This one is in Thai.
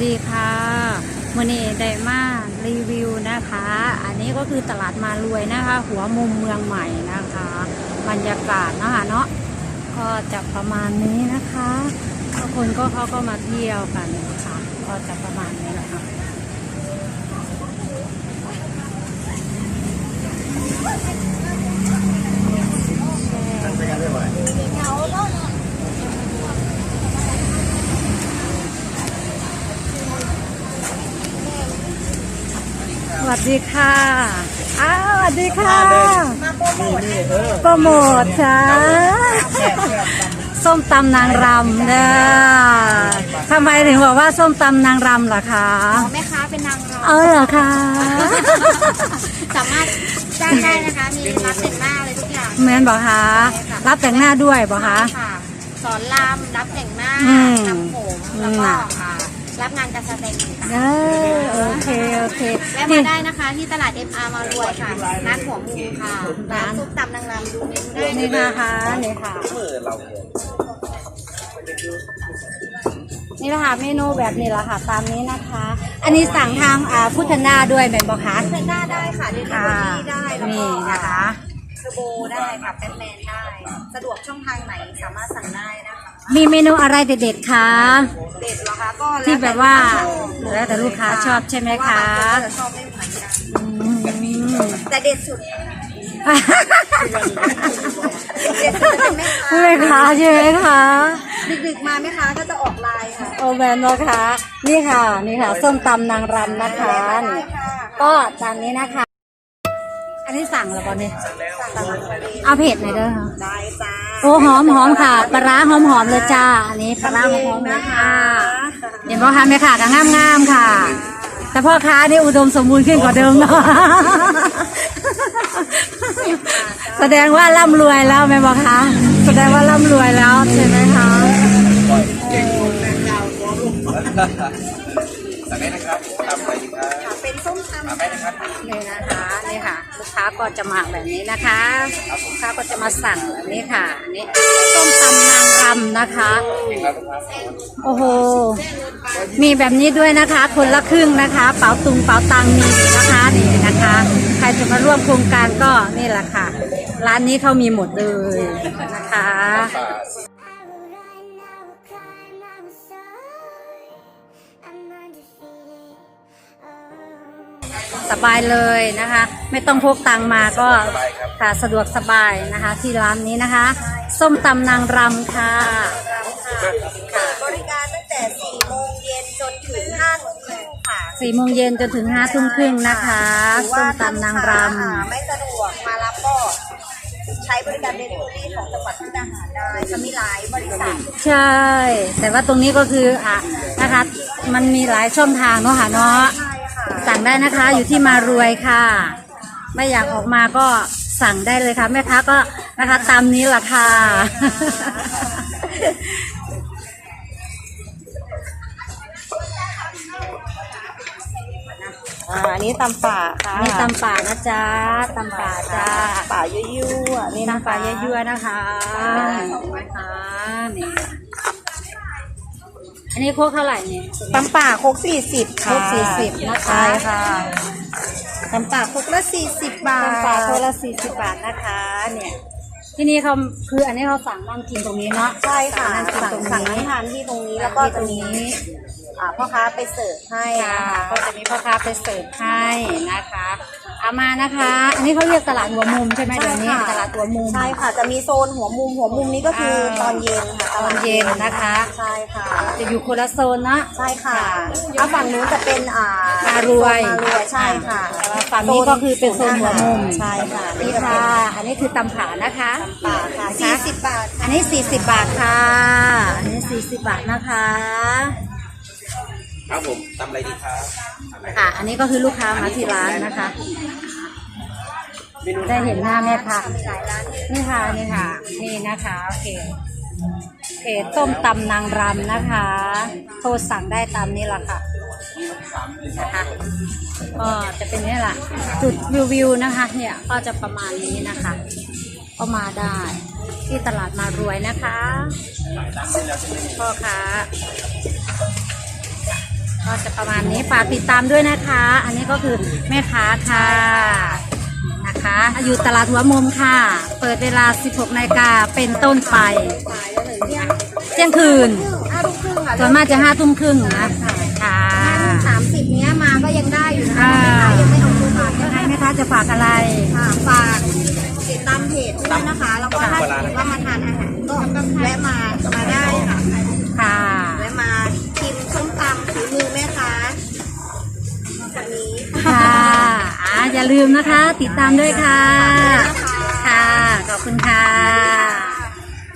ดีค่ะวันนี้ได้มารีวิวนะคะ อันนี้ก็คือตลาดมารวยนะคะ หัวมุมเมืองใหม่นะคะบรรยากาศนะคะเนาะก็จะประมาณนี้นะคะทุกคนเขาก็มาเที่ยวกันค่ะก็จะประมาณนี้แหละค่ะสวัสดีค่ะสวัสดีค่ะมาโปรโมทค่ะส้มตำนางรำเนี่ยทำไมถึงบอกว่าส้มตำนางรำล่ะคะแม่ค้าเป็นนางรำเหรอคะสามารถจ้างได้นะคะมีรับแต่งหน้าอะไรทุกอย่างแม่นบอกคะรับแต่งหน้าด้วยบอกคะสอนรำรับแต่งหน้าทำผมแล้วก็รับงานการแสดงต่างๆโอเคแวะมาได้นะคะที่ตลาด MR มารวยค่ะร้านหัวมุมค่ะร้านซุปตำนางรำดูเมนูได้นี่นะคะนี่ค่ะนี่แหละค่ะเมนูแบบนี้แหละค่ะตามนี้นะคะ อันนี้สั่งทางพุทธนาด้วยแม่บอกคะพุทธนาได้ค่ะเดลิเวอรี่ได้นี่นะคะเทอร์โบได้ค่ะแบทแมนได้สะดวกช่องทางไหนสามารถสั่งได้นะคะมีเมนูอะไรเด็ดๆคะเด็ดเหรอคะก็ที่แบบว่าแล้วแต่ลูกค้าชอบใช่ไหมคะชอบไม่เหมือนกันแต่เด็ดสุดแม่ค้าใช่ไหมคะดึกๆมาแม่ค้าก็จะออกไลน์ค่ะโอแมนนะคะนี่ค่ะส้มตำนางรำนะคะนี่ก็ตามนี้นะคะอันนี้สั่งแล้วป่ะเนี่ยเอาเผ็ดหน่อยเด้อได้จ้าโอ้หอมค่ะปลาร้าหอมเลยจ้าอันนี้ปลาร้าหอมนะคะเห็นป่ะคะแม่ค่ะก็งามค่ะแต่พ่อค้านี่อุดมสมบูรณ์ขึ้นกว่าเดิมเนาะแสดงว่าร่ำรวยแล้วแม่บอกคะแสดงว่าร่ำรวยแล้วใช่ไหมคะสั่งได้นะครับตำอะไรดีครับเป็นส้มตำได้นะครับนี่นะคะนี่ค่ะลูกค้าก็จะมาแบบนี้นะคะลูกค้าก็จะมาสั่งแบบนี้ค่ะนี่ส้มตำนางรำนะคะโอ้โหมีแบบนี้ด้วยนะคะคนละครึ่งนะคะเป๋าตุงเป๋าตังมีนะคะนี่นะคะใครจะมาร่วมโครงการก็นี่แหละค่ะร้านนี้เขามีหมดเลยนะคะสบายเลยนะคะไม่ต้องพกตังมาก็ค่ะสะดวกสบายนะคะที่ร้านนี้นะคะส้มตำนางรำค่ะบริการตั้งแต่4 โมงเย็นจนถึง5 ทุ่มครึ่งค่ะ 4 โมงเย็นจนถึง5 ทุ่มครึ่งนะคะส้มตำนางรำไม่สะดวกมารับก็ใช้บริการเดลิเวอรี่ของจังหวัดมุกดาหารได้จะมีหลายบริษัทใช่แต่ว่าตรงนี้ก็คือนะคะมันมีหลายช่องทางเนาะค่ะเนาะสั่งได้นะคะอยู่ที่มารวยค่ะไม่อยากออกมาก็สั่งได้เลยค่ะแม่ค้าก็นะคะตามนี้แหละค่ะอันนี้ตำป่าค่ะนี่ตำป่านะจ๊ะตำป่าจ้าป่ายั่วๆนี่ตำป่ายั่วๆนะคะนะคะนี่อันนี้โคกเท่าไหร่เนี่ยตำป่าโคก40ค่ะโคก40นะคะใช่ค่ะตำป่าโคกละ40 บาทตำป่าโคกละ40 บาทนะคะเนี่ยที่นี่เขาคืออันนี้เขาสั่งนั่งกินตรงนี้เนาะใช่ค่ะสั่งนั่งทานที่ตรงนี้แล้วก็ตรงนี้พ่อค้าไปเสิร์ฟให้ก็จะมีพ่อค้าไปเสิร์ฟให้นะคะเอามานะคะอันนี้เขาเรียกตลาดหัวมุมใช่ไหมเดี๋ยวนี้ตลาดหัวมุมใช่ค่ะจะมีโซนหัวมุมนี้ก็คือตอนเย็นค่ะตอนเย็นนะคะใช่ค่ะจะอยู่คนละโซนนะใช่ค่ะถ้าฝั่งนู้นจะเป็นมารวยใช่ค่ะฝั่งนี้ก็คือเป็นโซนหัวมุมใช่ค่ะนี่ค่ะอันนี้คือตำผานะคะตำป่าค่ะ40 บาทอันนี้40 บาทค่ะอันนี้40 บาทนะคะครับผมตำอะไรดีครับค่ะอันนี้ก็คือลูกค้ามาที่ร้านนะคะได้เห็นหน้าแม่ค่ะนี่ค่ะนี่นะคะโอเคต้มตำนางรำนะคะโทรสั่งได้ตามนี้แหละค่ะนะคะก็จะเป็นนี่แหละจุดวิวนะคะเนี่ยก็จะประมาณนี้นะคะก็มาได้ที่ตลาดมารวยนะคะพ่อค้าก็จะประมาณนี้ฝากติดตามด้วยนะคะ อันนี้ก็คือแม่ค้าค่ะนะคะอยู่ตลาดหัวมุมค่ะ เปิดเวลา 16 นาฬิกาเป็นต้นไปเที่ยงคืน 5 ทุ่มครึ่งค่ะส่วนมากจะ5 ทุ่มครึ่งนะค่ะ 30เนี้ยมาก็ยังได้อยู่นะอ่าคะยังไม่เอาตัวมายังไงแม่ค้าจะฝากอะไรค่ะฝากติดตามเพจด้วยนะคะ แล้วก็ถ้าสมมติว่ามาทานอาหารก็แวะมาได้ค่ะค่ะแวะมาชิมส้มตำฝีมือแม่ค้าคนนี้ค่ะอย่าลืมนะคะ ติดตามด้วยค่ะ ค่ะ ขอบคุณค่ะ